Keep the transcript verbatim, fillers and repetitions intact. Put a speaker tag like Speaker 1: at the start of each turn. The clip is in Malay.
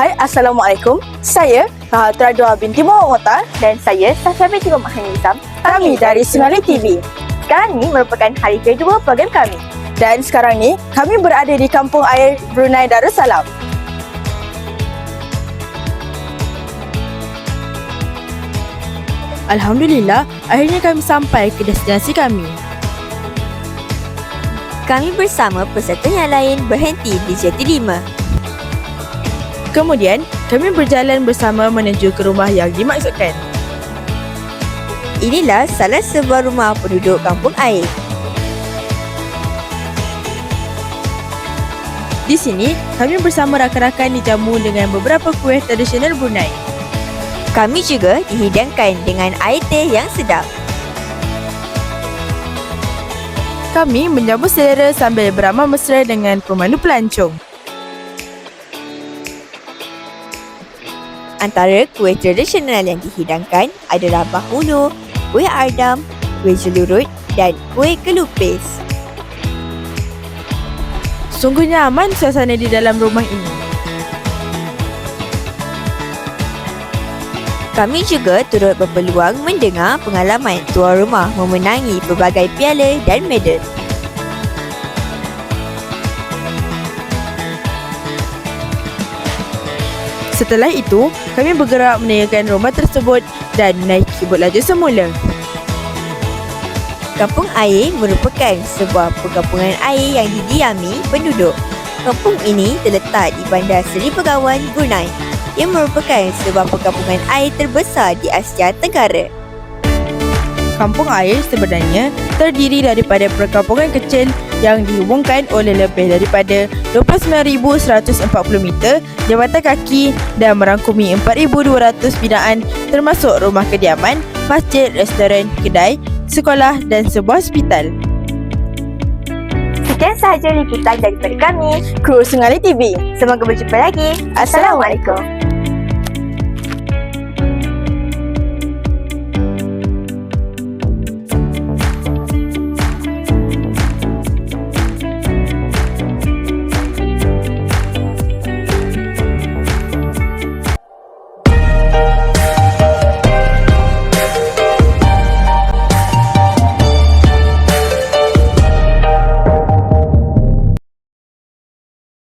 Speaker 1: Hai, Assalamualaikum. Saya Rahatul Adwa binti Muhammad Muhtar
Speaker 2: dan saya Safia binti Muhammad Nizam.
Speaker 1: Kami dari Sinari T V.
Speaker 2: Sekarang ni merupakan hari kedua program kami.
Speaker 1: Dan sekarang ni kami berada di Kampung Air Brunei Darussalam.
Speaker 3: Alhamdulillah, akhirnya kami sampai ke destinasi kami.
Speaker 4: Kami bersama peserta yang lain berhenti di Jeti lima.
Speaker 3: Kemudian, kami berjalan bersama menuju ke rumah yang dimaksudkan.
Speaker 4: Inilah salah sebuah rumah penduduk kampung air.
Speaker 3: Di sini, kami bersama rakan-rakan dijamu dengan beberapa kuih tradisional Brunei.
Speaker 4: Kami juga dihidangkan dengan air teh yang sedap.
Speaker 3: Kami menyambut selera sambil beramah mesra dengan pemandu pelancong.
Speaker 4: Antara kuih tradisional yang dihidangkan adalah bahulu, kuih ardam, kuih jelurut dan kuih kelupis.
Speaker 3: Sungguh nyaman suasana di dalam rumah ini.
Speaker 4: Kami juga turut berpeluang mendengar pengalaman tuan rumah memenangi pelbagai piala dan medal.
Speaker 3: Setelah itu, kami bergerak meninggalkan rumah tersebut dan menaiki bot laju semula.
Speaker 4: Kampung Air merupakan sebuah perkampungan air yang didiami penduduk. Kampung ini terletak di Bandar Seri Begawan, Brunei, yang merupakan sebuah perkampungan air terbesar di Asia Tenggara.
Speaker 3: Kampung Air sebenarnya terdiri daripada perkampungan kecil yang dihubungkan oleh lebih daripada dua puluh sembilan ribu seratus empat puluh meter jambatan kaki dan merangkumi empat ribu dua ratus binaan termasuk rumah kediaman, masjid, restoran, kedai, sekolah dan sebuah hospital.
Speaker 2: Sekian sahaja liputan daripada kami,
Speaker 1: Kru Sinari T V.
Speaker 2: Semoga berjumpa lagi. Assalamualaikum.